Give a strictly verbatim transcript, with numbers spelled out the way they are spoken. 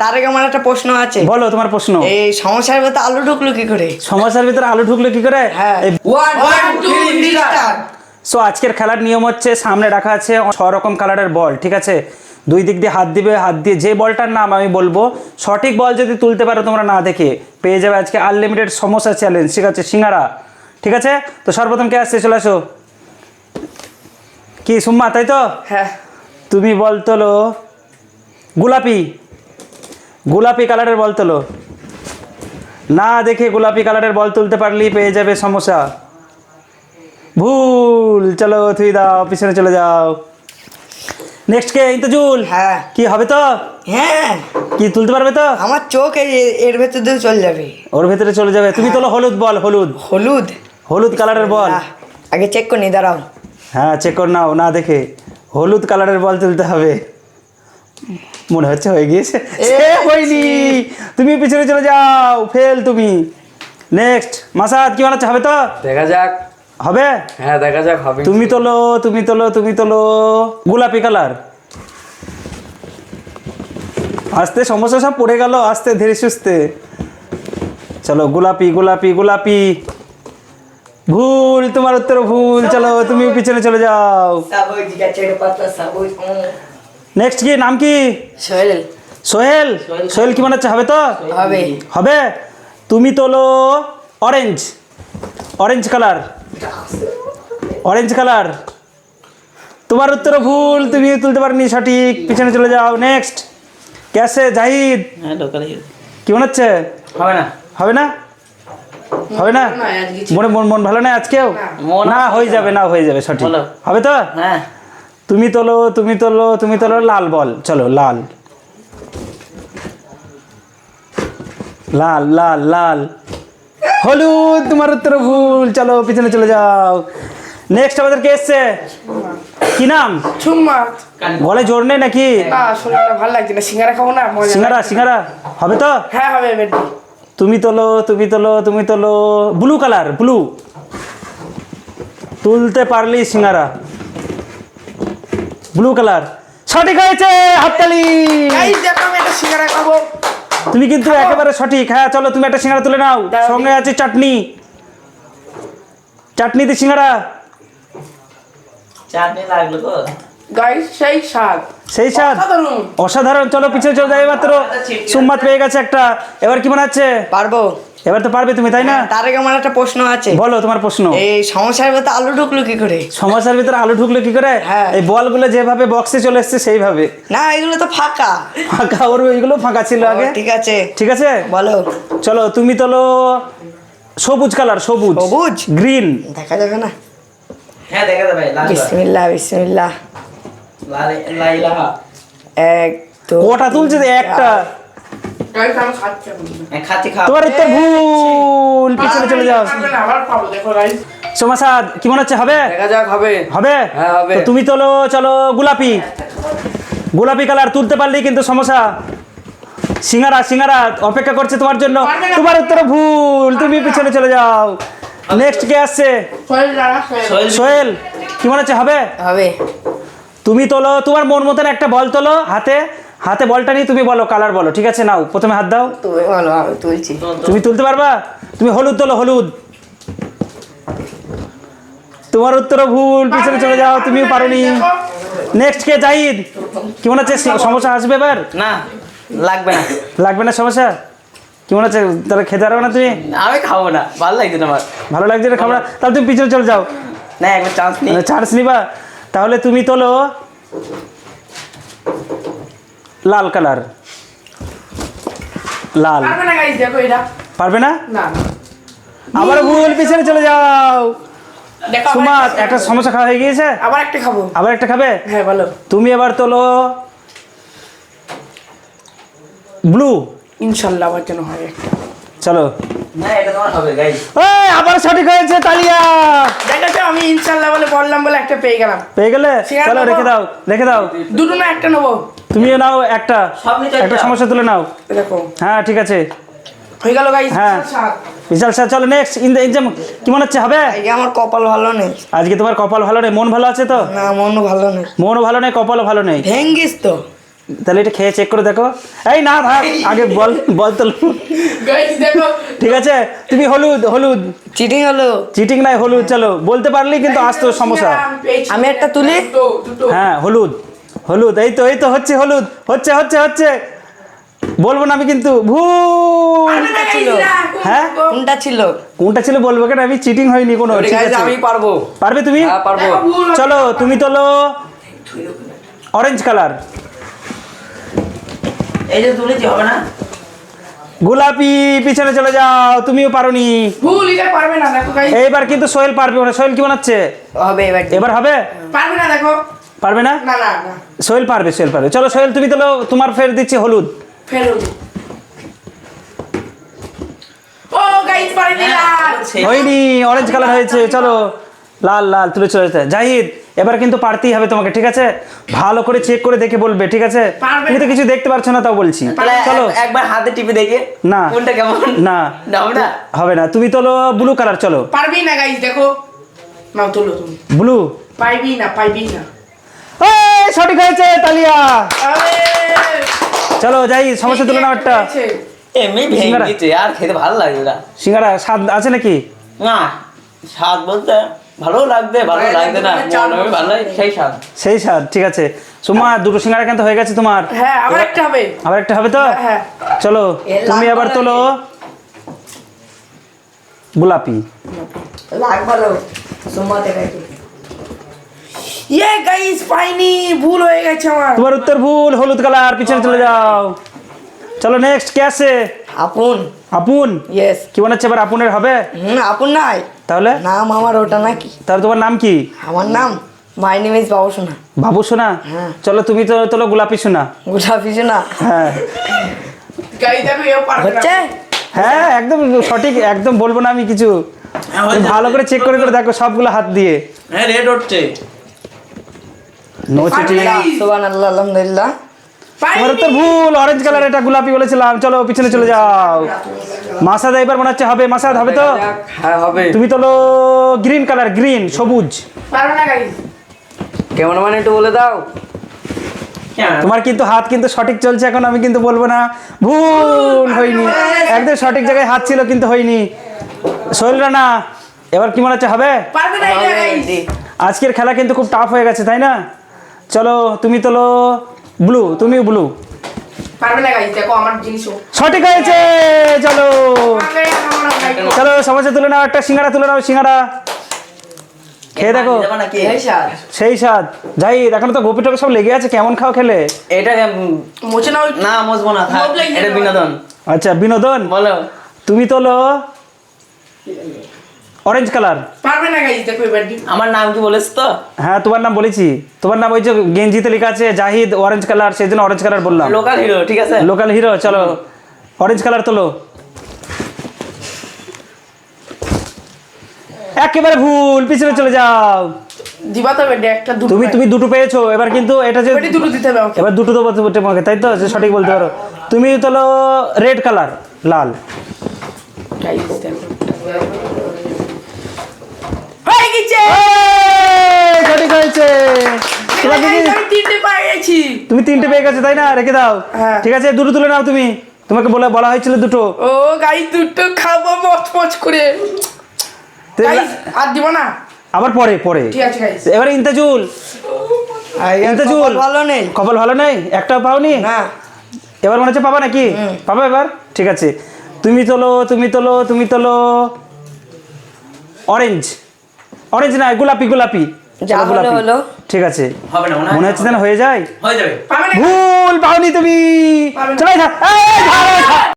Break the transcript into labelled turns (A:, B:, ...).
A: তার আগে আমার একটা প্রশ্ন আছে।
B: বলো তোমার প্রশ্ন।
A: এই সমস্যার ভিতরে আলু ঢুকলো কি করে?
B: সমস্যার ভিতরে আলু ঢুকলো কি করে?
A: হ্যাঁ।
C: One, two, three, start.
B: So আজকের খেলার নিয়ম হচ্ছে সামনে রাখা আছে ছ রকম কালারের বল, ঠিক আছে? দুই দিক দিয়ে হাত দিবে, হাত দিয়ে যে বলটার নাম আমি বলবো সঠিক বল যদি তুলতে পারো তোমরা না দেখে পেয়ে যাবে আজকে আনলিমিটেড সমোসা চ্যালেঞ্জ, ঠিক আছে? সিঙ্গারা, ঠিক আছে? তো সর্বপ্রথম কে আসছে, চলে আসো। কি সুম্মা, তাই তো?
A: হ্যাঁ।
B: তুমি বল তোলো গোলাপি, গোলাপি কালারের বল তোলো। না দেখে গোলাপি কালারের বল তুলতে পারলেই পেয়ে যাবে সমোসা। ভুল, চলো থুই দাও, পিছনে চলে যাও। নেক্সট কে? ইন্তজুল।
A: হ্যাঁ।
B: কি হবে তো?
A: হ্যাঁ।
B: কি তুলতে পারবে তো?
A: আমার চোখ এই এর ভেতর দিয়ে চলে যাবে।
B: ওর ভেতরে চলে যাবে। তুমি তোলো হলুদ বল, হলুদ,
A: হলুদ,
B: হলুদ কালারের বল।
A: আহ, আগে চেক করে নি, দাঁড়াও।
B: হ্যাঁ চেক কর নাও, না দেখে হলুদ কালারের বল তুলতে হবে। মনে হচ্ছে হয়ে গিয়েছে। এ হয়নি, তুমি পিছনে চলে যাও, ফেল তুমি। নেক্সট মাসাদ, কি বানাচ্ছে? হবে তো?
C: দেখা যাক।
B: হবে?
C: হ্যাঁ দেখা যাক হবে।
B: তুমি তোলো, তুমি তোলো, তুমি তোলো গোলাপি কালার। আস্তে, সমস্যা সব পড়ে গেল, আস্তে ধীরে সুস্থে। চলো গোলাপি, গোলাপি, গোলাপি। ভুল, তোমার উত্তর ভুল। চলো তুমি পিছনে চলে যাও। নেক্সট কি নাম কি?
A: সোহেল।
B: সোহেল। সোহেল কি বানাচ্ছে? হবে তো?
A: হবে।
B: হবে। তুমি তোলো orange, orange colour, orange colour. তোমার উত্তর ভুল, তুমি তুলতে পারনি সঠিক, পিছনে চলে যাও। নেক্সট ক্যাসে জাহিদ, কি বানাচ্ছে?
C: হবে না।
B: হবে না? হবে না? মনে মন মন ভালো না আজকেও? না হয়ে যাবে, না হয়ে যাবে সঠিক। হবে তো?
C: হ্যাঁ।
B: তুমি তোলো, তুমি তোলো, তুমি তোলো লাল বল। চলো লাল, লাল, লাল, লাল। হলুদ, তোমার উত্তর ভুল। চলো পিছনে চলে যাও। নেক্সট আমাদের কে এসছে? কি নাম?
A: চুম্মা।
B: গলায় জোর নেই নাকি?
A: না, শরীরটা ভালো লাগছে না, সিঙ্গারা খাবো না। মজা
B: সিঙ্গারা,
A: লাগছে।
B: সিঙ্গারা হবে তো?
A: হ্যাঁ হবে। বেটি
B: তুমি তোলো, তুমি তোলো, তুমি তোলো ব্লু কালার, ব্লু। তুলতে পারলি সিঙ্গারা, ব্লু কালার। সঠিক হয়েছে, হাততালি।
A: গাইস দেখো, আমি একটা সিঙ্গারা খাবো।
B: তুমি কিন্তু একেবারে সঠিক। হ্যাঁ চলো তুমি একটা সিঙ্গারা তুলে নাও,
A: দাও।
B: সঙ্গে আছে চাটনি, চাটনি দিয়ে সিঙ্গারা।
C: চাটনি লাগলো তো।
A: গাইস সেই স্বাদ,
B: সেই স্বাদ
A: অসাধারণ।
B: অসাধারণ। চলো পিছনে চলে যাই মাত্র। সুম্মাত পেয়ে গেছে একটা। এবার কি মনে হচ্ছে?
A: পারবো।
B: এবার তো পারবে তুমি, তাই না?
A: তার আগে আমার একটা প্রশ্ন আছে।
B: বলো তোমার প্রশ্ন।
A: এই সমস্যার ভিতরে আলু ঢুকলো কি করে?
B: সমস্যার ভিতরে আলু ঢুকলো কি করে?
A: হ্যাঁ।
B: এই বলগুলো যেভাবে বক্সে চলে এসছে সেইভাবে।
A: না, এগুলো তো ফাঁকা।
B: ফাঁকা, ওর এইগুলো ফাঁকা ছিল আগে।
A: ও, ঠিক আছে।
B: ঠিক আছে
A: বলো।
B: চলো তুমি তোলো সবুজ কালার, সবুজ,
A: সবুজ?
B: গ্রিন।
A: দেখা যাবে না।
C: হ্যাঁ দেখা যাবে। লাল
A: বিসমিল্লাহ, বিসমিল্লাহ।
C: লাল লাইলাহা।
A: এক তো
B: কটা তুলছে? একটা।
A: গাইস আমি খাচ্ছি
C: হ্যাঁ খাচ্ছি খাও।
B: তোমার উত্তর ভুল, পিছনে চলে যাও।
A: আবার পাবো, দেখো গাইস।
B: সোমাসাদ কি মনে হচ্ছে? হবে?
C: দেখা যাক হবে।
B: হবে?
C: হ্যাঁ, হবে।
B: তো তুমি তোলো, চলো গোলাপি, গোলাপি কালার। তুলতে পারলেই কিন্তু সমস্যা। সিঙ্গারা, সিঙ্গারা অপেক্ষা করছে তোমার জন্য। তোমার উত্তর ভুল, তুমি পিছনে চলে যাও। নেক্সট কে আসছে?
A: সোহেল দাঁড়া, সোহেল।
B: সোহেল কি মনে হচ্ছে? হবে?
A: হবে।
B: তুমি তোলো তোমার মন মতন একটা বল তোলো, হাতে, হাতে বলটা নিয়ে তুমি বলো কালার বলো, ঠিক আছে? নাও প্রথমে হাত দাও।
A: তুমি বলো, আমি তুলছি।
B: তুমি তুলতে পারবা? তুমি হলুদ তোলো, হলুদ। তোমার উত্তর ভুল, পিছনে চলে যাও, তুমিও পারোনি। নেক্সট কে? জাহিদ কি মনে হচ্ছে? সমস্যা আসবে এবার?
C: না লাগবে না।
B: লাগবে না সমস্যা? কি মনে হচ্ছে? তাহলে খেতে পারবে না তুমি?
C: আমি খাবো না, ভালো লাগছে না আমার।
B: ভালো লাগছে না খাবার? তাহলে তুমি পিছনে চলে যাও।
C: না একবার চান্স নেই।
B: চান্স নিবা? তাহলে তুমি তোলো লাল কালার, লাল।
A: পারবে না গাইস, দেখো এটা।
B: পারবে না?
A: না।
B: আবার ভুল, পিছনে চলে যাও।
A: দেখো
B: সুমাত একটা সমস্যা খাওয়া হয়ে গিয়েছে,
A: আবার একটা খাবো।
B: আবার একটা খাবে?
A: হ্যাঁ বলো।
B: তুমি এবার তোলো ব্লু।
A: ইনশাআল্লাহ আমার জন্য হয় একটা।
B: চলো।
C: না এটা তোমার হবে গাইস।
B: এই আবার সঠিক হয়েছে, তালিয়া।
A: দেখেছো, আমি ইনশাআল্লাহ বলে বললাম বলে একটা পেয়ে গেলাম।
B: পেয়ে গেলে?
A: সিঙ্গারা
B: চলো
A: নেবো?
B: রেখে দাও, রেখে দাও।
A: দুটো না একটা নেবো?
B: তুমিও নাও একটা,
C: সব নিতে
B: একটা
C: চাও?
B: সমস্যা তুলে নাও।
A: দেখো
B: হ্যাঁ ঠিক আছে,
A: হয়ে গেল গাইস।
B: হ্যাঁ। বিশাল স্যার চলো নেক্সট ইন দ্য এক্সাম। কি মনে হচ্ছে? হবে?
A: আজকে আমার কপাল ভালো নেই।
B: আজকে তোমার কপাল ভালো নেই? মন ভালো আছে তো?
A: না, মন ভালো নেই।
B: মনও ভালো নেই, কপালও ভালো নেই।
A: ভেঙ্গিস তো।
B: তাহলে এটা খেয়ে চেক করে দেখো। এই না থাক, আগে বল বল তোলো।
A: গাইস দেখো
B: ঠিক আছে, তুমি হলুদ হলুদ
D: চিটিং হলো।
B: চিটিং নাই হলুদ, চলো বলতে পারলেই কিন্তু আসতো সমস্যা।
D: আমি একটা তুলি?
A: দুটো দুটো
B: হ্যাঁ হলুদ হলুদ, এই তো এই তো হচ্ছে হলুদ, হচ্ছে হচ্ছে হচ্ছে বলবো না আমি কিন্তু ভুল। হ্যাঁ
D: কোনটা ছিল?
B: কোনটা ছিল বলবো কেন, আমি চিটিং হয়নি কোনো। ঠিক আছে
C: আমি পারবো।
B: পারবে তুমি?
C: হ্যাঁ পারবো।
B: চলো তুমি তোলো অরেঞ্জ কালার,
C: এই যে তুলেছি হবে না?
B: গোলাপি, পিছনে চলে যাও, তুমিও পারোনি।
A: ভুল, এটা পারবে না দেখো গাইস।
B: এইবার কিন্তু সোহেল পারবে না। সোহেল কি বানাচ্ছে?
D: হবে এবার।
B: এবার হবে?
A: পারবে না দেখো।
B: পারবে না?
A: না না না
B: সোহেল পারবে, সোহেল পারবে। চলো সোহেল তুমি তোলো, তোমার ফের দিচ্ছি হলুদ।
A: ফের হলো। ও গাইস পারে দিলাম।
B: হয়নি, অরেঞ্জ কালার হয়েছে। চলো লাল লাল তুলে চলে যেতে। জাহিদ এবার কিন্তু পারতেই হবে তোমাকে, ঠিক আছে? ভালো করে চেক করে দেখে বলবে, ঠিক আছে?
A: পারবে
B: তুমি তো কিছু দেখতে পারছো না তাও বলছি।
C: তাহলে
B: চলো
C: এক- একবার হাতে টিপে দেখে
B: না।
C: কোনটা কেমন।
B: না
C: না হবে না।
B: হবে না, তুমি তোলো ব্লু কালার। চলো
A: পারবি না গাইস দেখো। নাও তোলো তুমি।
B: ব্লু।
A: পাইবি না পাইবি না।
B: এই সঠিক হয়েছে, তালিয়া।
A: আরে
B: চলো যাই, সমস্যা তুলে নাও একটা।
C: এমনি ভেঙে
B: সিঙ্গারা।
C: দিচ্ছে আর খেতে ভালো লাগবে না।
B: সিঙ্গারা স্বাদ আছে নাকি?
C: না স্বাদ বলতে ভালো লাগবে, ভালো লাগবে না, মনে হবে ভালো লাগে, সেই স্বাদ।
B: সেই স্বাদ, ঠিক আছে। সুমা দুটো সিঙ্গারা কিন্তু হয়ে গেছে তোমার।
A: হ্যাঁ আবার একটা হবে।
B: আবার একটা হবে তো?
A: হ্যাঁ।
B: চলো
D: এ
B: তুমি
D: লাল
B: আবার
D: কালার
B: তোলো গোলাপি।
D: লাগ ভালো সুমাতে গাইছে।
A: ইয়ে গাইস পাইনি, ভুল হয়ে গেছে আমার।
B: তোমার উত্তর ভুল, হলুদ কালার, পিছনে চলে যাও। চলো নেক্সট কে আছে?
D: আপন।
B: আপুন।
D: ইয়েস।
B: কি বানাচ্ছে এবার? আপুনের হবে
D: হুম আপন নাই।
B: তাহলে?
D: নাম আমার ওটা নাকি?
B: তাহলে তোমার নাম কি?
D: আমার নাম মাই নেম ইজ বাবু সোনা।
B: বাবু সোনা।
D: হ্যাঁ।
B: চলো তুমি তো তোলো গোলাপি সোনা।
D: গোলাপি সোনা।
B: হ্যাঁ
A: গাইস দেখো এও পারবে না।
D: হচ্ছে?
B: হ্যাঁ একদম সঠিক, একদম বলবো না আমি কিছু। তুমি ভালো করে চেক করে করে দেখো সবগুলো হাত দিয়ে।
C: হ্যাঁ রেড উঠছে।
B: No cheating.
D: সুবহানাল্লাহ আলহামদুলিল্লাহ।
B: তোমার উত্তর ভুল, অরেঞ্জ কালার, এটা গোলাপি বলেছিলাম। চলো পিছনে চলে যাও। মাসাদ এবার মনে হচ্ছে হবে। মাসাদ হবে তো?
C: হ্যাঁ হবে।
B: তুমি তোলো গ্রিন কালার, গ্রিন সবুজ।
A: পারবে না গাইস।
C: কেমন মানে একটু বলে দাও।
B: তোমার কিন্তু হাত কিন্তু সঠিক চলছে এখন, আমি কিন্তু বলবো না। ভুল, হয়নি। একদম সঠিক জায়গায় হাত ছিল কিন্তু হয়নি। সোহেল রানা এবার কি মনে হচ্ছে হবে?
A: পারবে না এটা গাইস।
B: আজকের খেলা কিন্তু খুব টাফ হয়ে গেছে, তাই না? চলো তুমি তোলো ব্লু, তুমিও ব্লু।
A: পারবে না গাইস দেখো আমার জিনিসও।
B: সঠিক হয়েছে। চলো
A: পারবে না আমার গাইস।
B: চলো সমস্যা তুলে নাও, একটা সিঙ্গারা তুলে নাও। সিঙ্গারা খেয়ে দেখো,
C: যাবো নাকি?
D: এই স্যার
B: সেই স্বাদ। যাই এখন তো গোপি টোপি সব লেগে আছে, কেমন খাও খেলে?
C: এটা উম,
A: মোচে নাও।
C: না মজবো না, থাক।
A: লোভ লেগে
C: এটা
A: যাবে।
C: বিনোদন।
B: আচ্ছা বিনোদন।
C: বলো।
B: তুমি তোলো অরেঞ্জ কালার।
A: পারবে না গাইস দেখো এবার দি।
C: আমার নাম কি বলেছ তো?
B: হ্যাঁ তোমার নাম বলেছি। তোমার নাম ওই যে গেঞ্জিতে লেখা আছে জাহিদ অরেঞ্জ কালার, সেই জন্য অরেঞ্জ কালার বললাম।
C: লোকাল হিরো, ঠিক আছে।
B: Local hero. চলো অরেঞ্জ কালার তোলো। একেবারে ভুল, পিছনে চলে যাও।
A: দিবা তো বেডে একটা দুটো।
B: তুমি তুমি দুটো পেয়েছো, এবার কিন্তু এটা যে
A: বেডে দুটো দিতে হবে আমাকে।
B: এবার দুটো দেবো তোমাকে, তাই তো? যে সঠিক বলতে পারো। তুমি তোলো রেড কালার, লাল।
A: গাইস দেখো। হয়ে গেছে।
B: এই, সঠিক হয়েছে। তোমার
A: গাইস
B: দিদি
A: আমি তিনটে পেয়ে গেছি।
B: তুমি তিনটে পেয়ে গেছো, তাই না? রেখে দাও।
A: হ্যাঁ।
B: ঠিক আছে দুটো তুলে নাও তুমি। তোমাকে বলা বলা হয়েছিল দুটো।
A: ও গাইস দুটো খাবো মচ মচ করে।
B: তো
A: গাইস আর দিব না।
B: আবার পরে পরে
A: ঠিক আছে গাইস।
B: এবারে ইন্তাজুল। ইন্তাজুল
D: ভালো নেই।
B: কপাল ভালো নেই, একটাও পাওনি।
D: না
B: এবার মনে হচ্ছে পাবা নাকি? পাবা এবার? ঠিক আছে তুমি তোলো, তুমি তোলো, তুমি তোলো অরেঞ্জ। অরেঞ্জ না, গোলাপি গোলাপি।
D: যা
B: চলো,
D: হলো
B: গোলাপি।
D: হলো।
B: ঠিক আছে
C: হবে না
B: মনে হচ্ছে যেন হয়ে যায়।
C: হয়ে যাবে।
A: পাবে না।
B: ভুল, পাওনি তুমি।
A: পাবে না।
B: চলে যা। এই, ধরো, ধরো।